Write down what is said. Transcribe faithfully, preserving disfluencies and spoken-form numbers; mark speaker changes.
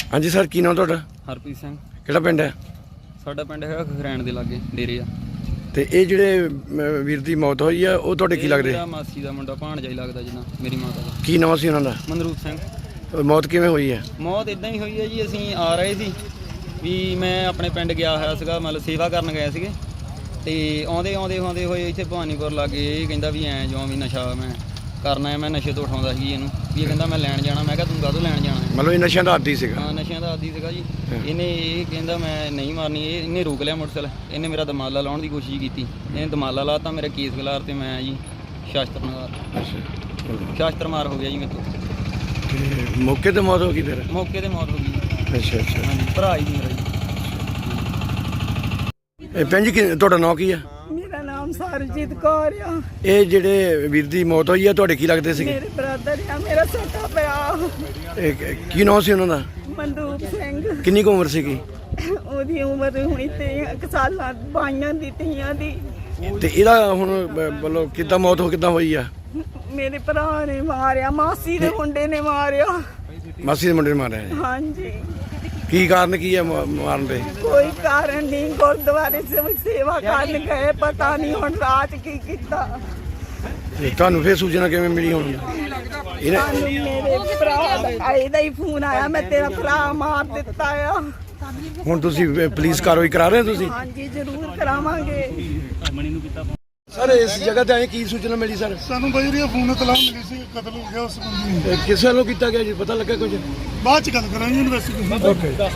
Speaker 1: हाँ जी सर, की नाम तुहाडा?
Speaker 2: हरप्रीत सिंह।
Speaker 1: किहड़ा पिंड है?
Speaker 2: साडा पिंड है खरैण दे लागे डेरे आ।
Speaker 1: ते ये जिहड़े वीर दी मौत होई है वो तुहाडे की लगदे?
Speaker 2: मेरा मासी दा मुंडा भाणजा ही लगदा जिन्ना मेरी माता दा।
Speaker 1: की नाम सी उन्हां दा?
Speaker 2: मनरूप सिंह।
Speaker 1: मौत किवें होई है?
Speaker 2: मौत इदां ही होई है जी, ਅਸੀਂ ਆ ਰਹੇ ਸੀ ਵੀ ਮੈਂ ਆਪਣੇ ਪਿੰਡ ਗਿਆ ਹੋਇਆ ਸੀਗਾ, ਮਤਲਬ ਸੇਵਾ ਕਰਨ ਗਏ ਸੀਗੇ ਤੇ ਆਉਂਦੇ ਆਉਂਦੇ ਆਉਂਦੇ ਹੋਏ ਇੱਥੇ ਭਵਾਨੀਪੁਰ ਲਾਗੇ ਇਹ ਕਹਿੰਦਾ ਵੀ ਐਂ ਜਿਉਂ ਵੀ ਨਸ਼ਾ ਮੈਂ ਕਰਨਾ ਹੈ। ਮੈਂ ਨਸ਼ੇ ਤੋਂ ਉਠਾਉਂਦਾ ਸੀ ਇਹਨੂੰ ਵੀ ਇਹ ਕਹਿੰਦਾ ਮੈਂ ਲੈਣ ਜਾਣਾ। ਮੈਂ ਕਿਹਾ ਤੂੰ ਕਾਹਤੋਂ ਲੈਣ ਜਾਣਾ ਹੈ?
Speaker 1: मतलब ये नशे का आदी सीगा?
Speaker 2: ਹਾਂ ਨਸ਼ਿਆਂ ਦਾ ਆਦੀ ਸੀਗਾ ਜੀ। ਇਹਨੇ ਇਹ ਕਹਿੰਦਾ ਮੈਂ ਨਹੀਂ ਮਾਰਨੀ, ਇਹ ਇਹਨੇ ਰੋਕ ਲਿਆ ਮੋਟਰਸਾਈਕਲ। ਇਹਨੇ ਮੇਰਾ ਦਮਾਲਾ ਲਾਉਣ ਦੀ ਕੋਸ਼ਿਸ਼ ਕੀਤੀ, ਇਹਨੇ ਦਮਾਲਾ ਲਾਤਾ, ਮੇਰਾ ਕੇਸ ਗਲਾਰ ਤੇ ਮੈਂ ਜੀ ਸ਼ਾਸਤਰ ਮਾਰ ਸ਼ਾਸਤਰ ਮਾਰ ਹੋ ਗਿਆ ਜੀ ਮੇਰੇ ਤੋਂ।
Speaker 1: ते मौके ते मौत हो गई फिर?
Speaker 2: ਮੌਕੇ ਤੇ ਮੌਤ ਹੋ ਗਈ ਜੀ।
Speaker 1: अच्छा अच्छा।
Speaker 2: ਹਾਂਜੀ ਭਰਾ ਹੀ ਮੇਰਾ ਜੀ।
Speaker 1: ਇਹ ਭੈਣ ਜੀ ਕੀ ਤੁਹਾਡਾ ਨਾਂ ਕੀ ਆ?
Speaker 3: ਮੇਰਾ ਨਾਮ ਸਰਜੀਤ ਕੌਰ ਆ।
Speaker 1: ਇਹ ਜਿਹੜੇ ਵੀਰ ਦੀ ਮੌਤ ਹੋਈ ਆ ਤੁਹਾਡੇ ਕੀ ਲੱਗਦੇ ਸੀਗੇ?
Speaker 3: ਮੇਰੇ ਬ੍ਰਦਰ ਆ, ਮੇਰਾ ਛੋਟਾ ਭਰਾ
Speaker 1: ਇਹ ਕ- ਕੀ ਨਾਮ ਸੀ ਉਹਨਾਂ ਦਾ?
Speaker 3: ਮਨਰੂਪ ਸਿੰਘ।
Speaker 1: ਕਿੰਨੀ ਕੁ ਉਮਰ ਸੀਗੀ?
Speaker 3: ਉਹਦੀ ਉਮਰ ਹੁਣੀ ਤੇ ਇੱਕ ਸਾਲਾਂ ਬਾਈਆਂ ਦੀ ਤੀਆਂ ਦੀ।
Speaker 1: ਤੇ ਇਹਦਾ ਹੁਣ ਬ- ਮਤਲਬ ਕਿੱਦਾਂ ਮੌਤ ਹੋ ਕਿੱਦਾਂ ਹੋਈ ਆ?
Speaker 3: ਮੇਰੇ ਭਰਾ ਨੇ ਮਾਰਿਆ, ਮਾਸੀ ਦੇ ਮੁੰਡੇ ਨੇ ਮਾਰਿਆ।
Speaker 1: ਮਾਸੀ ਦੇ ਮੁੰਡੇ ਨੇ ਮਾਰਿਆ ਹੈ।
Speaker 3: ਹਾਂਜੀ,
Speaker 1: ਕੀ ਕਾਰਨ ਕੀ ਆ ਮ- ਮਾਰਨ ਦੇ?
Speaker 3: ਕੋਈ ਕਾਰਨ ਨਹੀਂ। ਗੁਰਦੁਆਰੇ ਸੇ ਸੇਵਾ ਕਰਨ ਗਏ, ਪਤਾ ਨਹੀਂ ਹੁਣ ਰਾਤ ਕੀ ਕੀਤਾ।
Speaker 1: ਤੇ ਤੁਹਾਨੂੰ ਫਿਰ ਸੂਚਨਾ ਕਿਵੇਂ ਮਿਲੀ ਹੁਣ? ਇਹਨੇ
Speaker 3: ਸਾਨੂੰ ਮੇਰੇ ਭਰਾ ਦਾ ਇਹਦਾ ਹੀ ਫੋਨ ਆਇਆ, ਮੈਂ ਤੇਰਾ ਭਰਾ ਮਾਰ ਦਿੱਤਾ ਆ।
Speaker 1: ਹੁਣ ਤੁਸੀਂ ਅ, ਪੁਲਿਸ ਕਾਰਵਾਈ ਕਰਾ ਰਹੇ ਹੋ ਤੁਸੀਂ?
Speaker 3: ਹਾਂਜੀ ਜ਼ਰੂਰ ਕਰਾਵਾਂਗੇ।
Speaker 1: ਸਰ ਇਸ ਜਗ੍ਹਾ ਤੇ ਆਏ ਕੀ ਸੂਚਨਾ ਮਿਲੀ ਸਰ?
Speaker 4: ਸਾਨੂੰ ਬਜਰੀਆ ਫੋਨ ਤਲਾਹ ਮਿਲੀ ਸੀ, ਕਤਲ ਹੋ ਗਿਆ ਉਸ ਬੰਦੇ ਨੂੰ।
Speaker 1: ਕਿਸ ਵੱਲੋਂ ਕੀਤਾ ਗਿਆ ਜੀ, ਪਤਾ ਲੱਗਾ ਕੁਝ?
Speaker 4: ਬਾਅਦ ਚ ਗੱਲ ਕਰਾਂਗੇ ਇਨਵੈਸਟੀਗੇਸ਼ਨ।
Speaker 1: ਓਕੇ।